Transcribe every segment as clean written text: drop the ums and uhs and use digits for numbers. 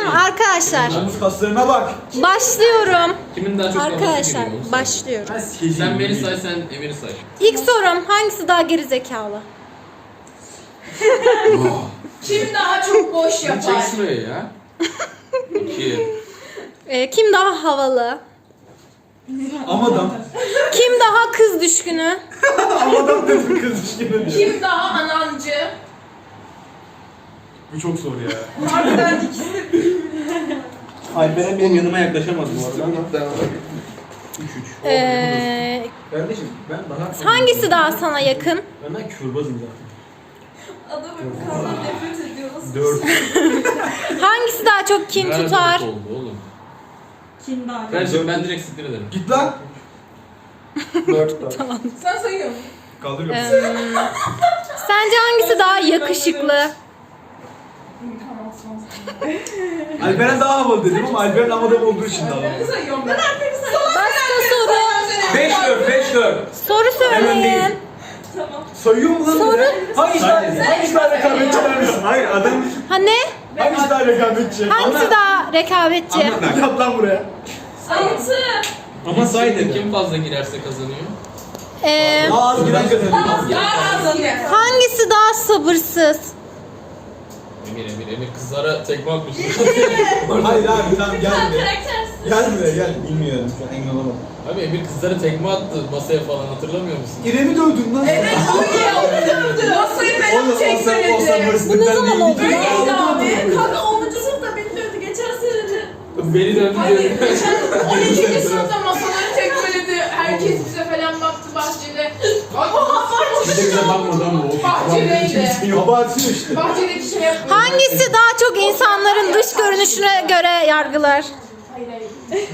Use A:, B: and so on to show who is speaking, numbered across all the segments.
A: Tamam arkadaşlar.
B: Omuz kaslarına bak.
A: Başlıyorum.
C: Kimin daha çok
A: Arkadaşlar
C: kafası giriyor?
A: başlıyorum.
C: Sen beni say, sen Emir'i say.
A: İlk sorum, hangisi daha geri zekalı?
D: Kim daha çok boş yapar?
C: Çek şuraya ya. 2.
A: Kim daha havalı?
B: Amadan.
A: Kim daha kız düşkünü?
B: Amadan dedim kız işkine diyor.
D: Kim daha anancı?
B: Bu çok zor ya.
D: Harbiden ikisi.
E: Alperen benim yanıma yaklaşamaz bu arada ama. 3-3. Kardeşim ben daha...
A: Hangisi daha sana yakın?
E: Ben daha kürbazım zaten.
D: Adamın kanından nefret ediyoruz.
E: 4.
A: Hangisi daha çok kin tutar?
C: Oldu oğlum.
D: Kim daha?
C: Ben direkt siktir ederim.
B: Git lan.
E: 4 daha.
D: Sen sayıyorsun.
B: Kaldırıyorum.
A: Sence hangisi daha yakışıklı?
B: Alperen daha havalı dedim ama Alperen amadan olduğu için daha havalı.
D: Ben sayıyorum. Ben Alper'i sayıyorum.
A: Başka soru.
E: 5-4.
A: Soru söyleyin.
D: Tamam.
B: Sayıyor mu lan?
A: Soru.
B: Hangisi daha rekabetçi vermişsin? Hayır adam.
A: Ha ne?
B: Hangisi daha rekabetçi?
A: Hangisi daha rekabetçi?
B: Yap lan buraya.
D: 6.
E: Ama say dedim.
C: Kim fazla girerse kazanıyor.
B: Az giren kazanıyor.
D: Ya az
A: Hangisi daha sabırsız?
C: Emir kızlara tekme atmış.
B: Hayır abi tamam gel buraya.
D: Karaktersiz.
B: Gel buraya gel. Bilmiyorum şu an emin olamam.
C: Abi Emir kızlara tekme attı masaya falan, hatırlamıyor musun?
B: İrem'i dövdün lan.
D: Evet, masayı ben
B: Oğlum
D: çekmedim.
A: Bu ne zaman oldu?
D: Öyleydi abi. Kanka 10. sınıfta beni dövdü geçen senede.
C: Beni döndü
D: Hayır,
C: diyorum.
D: geçen 12. sınıfta masaları tekmeledi. Herkes bize falan baktı bahçede.
E: Bir de bize bakmadı ama o.
D: Bahçedeydi.
B: Abartıyor işte.
D: Bahçedeki şey yapıyor.
A: Hangisi daha çok insanların dış görünüşüne göre yargılar?
D: Hayır hayır.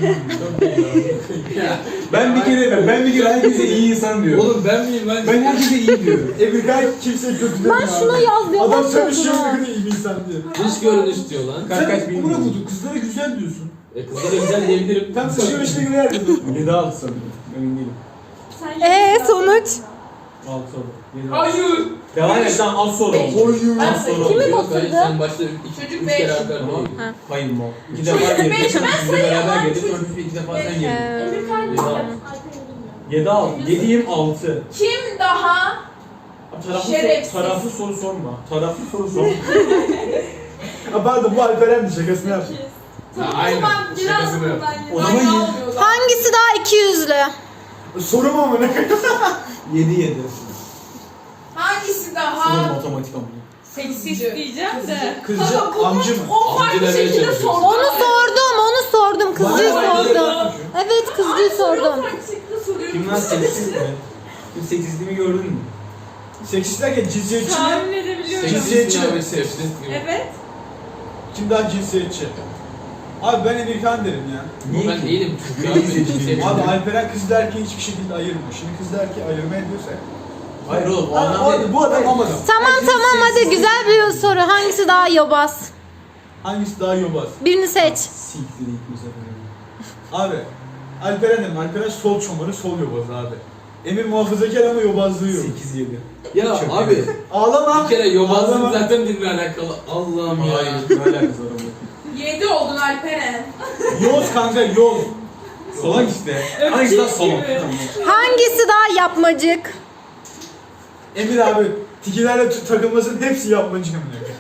B: Ben bir kere herkese iyi insan diyorum.
C: Oğlum ben miyim lan?
B: Ben herkese iyi diyorum. Gayet kimseye kötü demiyor.
A: Ben şuna yaz diyorum.
B: Adam
A: bak
B: çalışıyor
A: yazına.
B: ne kadar iyi bir insan diyor.
C: Dış görünüş diyor lan.
B: Sen buna buldun. Kızlara güzel diyorsun.
C: Kızlara güzel diyebilirim.
B: Tam sıçıyor işte göre yerdin. 7 6 sanırım. Emin değilim.
A: Sonuç?
B: 6 oldu.
D: Hayır.
E: Devam et tamam az sonra oldu.
B: Oyun.
D: Ben
E: sonra
A: Kimi
C: Yok, hayır,
A: batırdı?
C: sen başta
D: Çocuk
C: 3
D: beş.
C: kere haber
E: Tamam.
C: değil.
E: Hayır mı? 2 defa
D: Çocuk
E: girdik.
D: beş, ben
E: Biz de beraber
D: sayamam.
E: girdik. Sonra 2 defa sen girdin.
D: Emir kaç?
E: 7 6. 7 6. 7'yim 6.
D: Kim daha şerefsiz?
E: Taraflı soru sorma. Taraflı soru sorma.
B: Ha pardon bu Alperen'di şakasını yaptım.
C: Aynen.
D: Biraz
C: Şakasını yap.
B: O zaman
A: Hangisi daha ikiyüzlü?
B: sorum ama ne?
E: 7 7.
D: Hangisi
E: Sınır
D: daha
E: matematik ama.
D: seksist diyeceğim de.
B: Kızcı
D: Kanka bu
B: amcı mı?
D: o farklı
C: Amcı demeye
D: şekilde
C: çalışıyorsun.
D: sordu.
A: Onu sordum. Kızcıyı sordum. Evet kızcıyı sordum.
D: Farklı şekilde soruyorum.
E: Kim lan seksiz mi? Kim seksizliğimi gördün mü?
B: Seksist derken cinsiyetçi mi?
D: Tahmin edebiliyorum.
B: Cinsiyetçi
C: Seksist
B: mi?
C: mi? Seksist mi?
D: Evet.
B: Kim daha cinsiyetçi? Abi ben Emirkan derim ya.
C: Ama ben değilim çünkü
E: Niye
C: abi.
E: seçiyorsun?
B: Abi Alperen kız erkeği hiçbir şekilde ayırmıyor. Şimdi kız erkeği ayırma ediyorsa.
E: Hayır oğlum o adam değil.
B: Bu adam amadan.
A: Tamam hadi güzel bir soru. Hangisi daha yobaz?
B: Hangisi daha yobaz?
A: Birini seç.
E: Siktir ilk bu sefer.
B: Abi Alperen dedim. Alperen sol çomarı sol yobaz abi. Emir muhafazakar ama yobazlığı yok.
E: 8 7.
C: Ya abi
B: Ağlama.
C: bir kere yobazlık
B: Ağlama.
C: zaten dinle alakalı. Allah'ım ya.
E: Hayır ne alakası var ama.
D: 7 oldun Alperen.
B: Yoz kanka yoz.
E: Salak işte. Hangisi daha salak?
A: Hangisi daha yapmacık?
B: Emir abi tikilerle takılmasının hepsi yapmacı emir.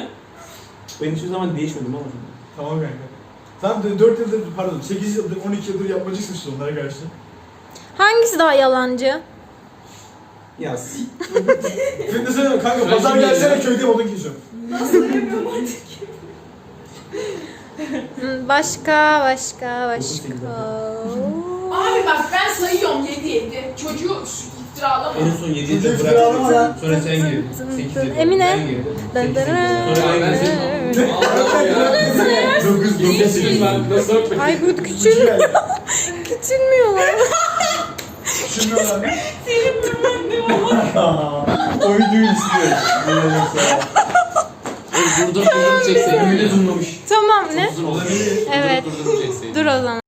E: Ben hiçbir zaman değişmedim ama.
B: Tamam kanka. Tam 4 yıldır pardon 8 yıldır 12 yıldır yapmacısın işte onlara karşı.
A: Hangisi daha yalancı?
E: Ya
B: Şimdi söyleme kanka
C: Ben
B: pazar
C: şimdi
B: gelsene
C: geliyorum.
B: köyde odun kesiyorum.
D: Nasıl yapıyorum artık?
A: Başka.
D: Abi bak ben sayıyorum 7. Çocuğu iftiralama.
E: en son 7
B: Çocuğu
E: yılda
B: kiralama lan.
E: bıraktım. Sonra sen girdin. 8 yılda.
A: Emine.
E: Ben girdim.
A: Dın
E: 8
A: dın
E: yılda. Sonra
C: Ben
E: ben girdim.
C: senin Allah'ım ya.
B: 9
C: Geçtim ben. Nasıl öpmek?
A: Ay bu küçülmüyorlar.
B: Düşünmüyorlar.
E: O videoyu istiyorum.
C: Durdur çekseydin.
E: Emine zoomlamış.
A: Tamam ne?
C: Uzun olabilir.
A: Evet.
C: Durdur çekseydin.
A: Dur o zaman.